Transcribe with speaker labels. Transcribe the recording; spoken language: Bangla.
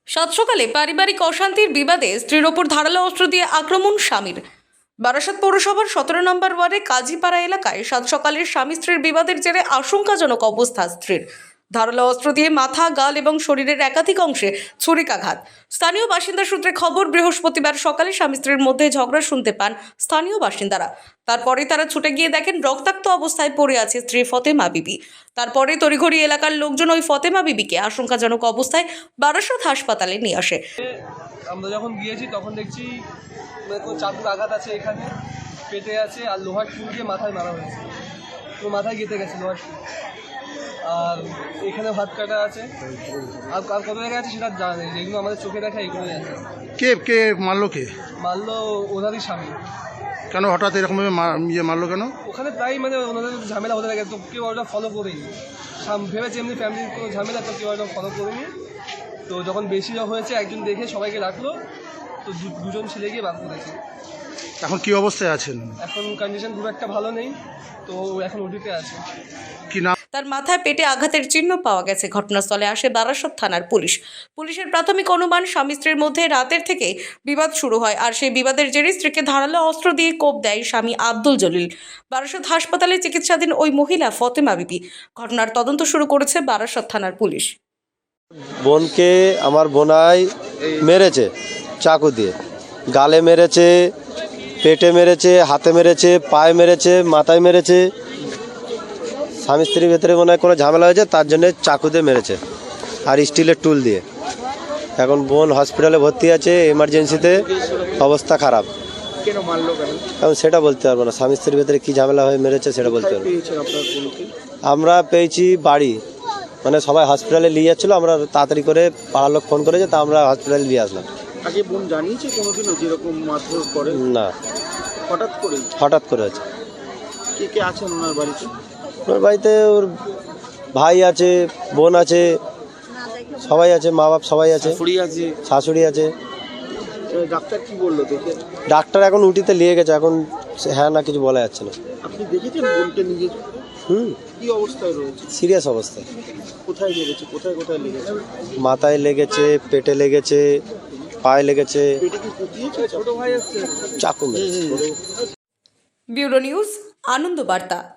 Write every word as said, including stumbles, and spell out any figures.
Speaker 1: সাত সকালে পারিবারিক অশান্তির বিবাদে স্ত্রীর ওপর ধারালো অস্ত্র দিয়ে আক্রমণ স্বামীর। বারাসাত পৌরসভার সতেরো নম্বর ওয়ার্ডে কাজীপাড়া এলাকায় সাত সকালে স্বামী স্ত্রীর বিবাদের জেরে আশঙ্কাজনক অবস্থা স্ত্রীর। ধারালো অস্ত্র দিয়ে মাথা, গাল এবং শরীরের একাধিক অংশে ছুরিকাঘাত। স্থানীয় বাসিন্দা সূত্রে খবর, বৃহস্পতিবার সকালে স্বামী স্ত্রীর মধ্যে ঝগড়া শুনতে পান স্থানীয় বাসিন্দারা। তারপরে তারা ছুটে গিয়ে দেখেন রক্তাক্ত অবস্থায় পড়ে আছে স্ত্রী ফতেমা বিবি। তারপরে তড়িঘড়ি এলাকার লোকজন ওই ফতেমা বিবিকে আশঙ্কাজনক অবস্থায় বারাসাত হাসপাতালে নিয়ে আসে।
Speaker 2: আমরা যখন গিয়েছি তখন দেখছি চাকুর আঘাত আছে, এখানে পেটে আছে, আর লোহার টুল দিয়ে মাথায় মারা হয়েছে। তো মাথায় গেঁথে গেছে লোহার টুল, আর এখানে হাত কাটা আছে, আর কার কত জায়গায় আছে সেটা জানা নেই। যেগুলো আমাদের চোখে দেখা এগুলোই আছে।
Speaker 3: কে কে মারলো? কে
Speaker 2: মারলো? ওনারই স্বামী।
Speaker 3: কেন হঠাৎ এরকমভাবে ইয়ে মারলো কেন?
Speaker 2: ওখানে প্রায় মানে ওনাদের ঝামেলা হতে থাকে, তো কেউ ওটা ফলো করেনি। ভেবেছে এমনি ফ্যামিলির কোনো ঝামেলা, তো কেউ ওটা ফলো করেনি। তো যখন বেশি হয়েছে একজন দেখে সবাইকে ডাকলো, তো দুজন ছেলে গিয়ে বার করেছে।
Speaker 3: এখন কি অবস্থায় আছেন?
Speaker 2: এখন কন্ডিশন খুব একটা ভালো নেই, তো এখন ওটিতে আছে।
Speaker 3: কি নাম?
Speaker 1: তার মাথায় পেটে আঘাতের চিহ্ন পাওয়া গেছে। ঘটনাস্থলে আসে বারাসাত থানার পুলিশ। পুলিশের প্রাথমিক অনুমান, স্বামী স্ত্রীর মধ্যে রাতের থেকে বিবাদ শুরু হয়, আর সেই বিবাদের জেরে স্ত্রীকে ধারালো অস্ত্র দিয়ে কোপ দেয় স্বামী আব্দুল জলিল। বারাসাত হাসপাতালে চিকিৎসাধীন ওই মহিলা ফতেমা বিবি। ঘটনার তদন্ত শুরু করেছে বারাসাত থানার পুলিশ।
Speaker 4: বোনকে আমার বোনাই মেরেছে চাকু দিয়ে, গালে মেরেছে, পেটে মেরেছে, হাতে মেরেছে, পায়ে মেরেছে, মাথায় মেরেছে। স্বামী স্ত্রীর ভেতরে মনে হয় কোনো ঝামেলা হয়েছে, তার জন্য চাকু দিয়ে মেরেছে, আর স্টিলের টুল দিয়ে। এখন বোন হসপিটালে ভর্তি আছে এমার্জেন্সিতে, অবস্থা খারাপ।
Speaker 5: কেন মারলো কেন?
Speaker 4: এখন সেটা বলতে পারবো না, স্বামী স্ত্রীর ভেতরে কী ঝামেলা হয়ে মেরেছে সেটা বলতে পারবো।
Speaker 5: পেয়েছেন আপনার বোনকে?
Speaker 4: আমরা পেয়েছি বাড়ি, মানে সবাই হসপিটালে নিয়ে যাচ্ছিলো, আমরা তাড়াতাড়ি করে পাড়ার লোক ফোন করেছে, তা আমরা হসপিটালে নিয়ে আসলাম।
Speaker 5: আগে বোন জানিয়েছে কোনোদিনও যেরকম মারধর করে?
Speaker 4: না,
Speaker 5: হঠাৎ করে?
Speaker 4: হঠাৎ করে আছে।
Speaker 5: কে কে আছেন ওনার বাড়িতে?
Speaker 4: ওর বাড়িতে ওর ভাই আছে, বোন আছে, সবাই আছে, মা বাপ সবাই আছে,
Speaker 5: আছে?
Speaker 4: শাশুড়ি আছে।
Speaker 5: ডাক্তার কি বললো দেখে?
Speaker 4: ডাক্তার এখন উটিতে নিয়ে গেছে, এখন হ্যাঁ না কিছু বলা যাচ্ছে না।
Speaker 5: আপনি দেখেছেন বোনকে নিজে?
Speaker 4: হুম,
Speaker 5: কি অবস্থায় রয়েছে?
Speaker 4: সিরিয়াস অবস্থায়।
Speaker 5: কোথায় লেগেছে? কোথায় কোথায় লেগেছে?
Speaker 4: মাথায় লেগেছে, পেটে লেগেছে, পায়ে লেগেছে,
Speaker 5: পেটে কি কুটিয়েছে? ছোট ভাই আছে?
Speaker 4: চাকু মেরেছে।
Speaker 1: ব্যুরো নিউজ, আনন্দ বার্তা।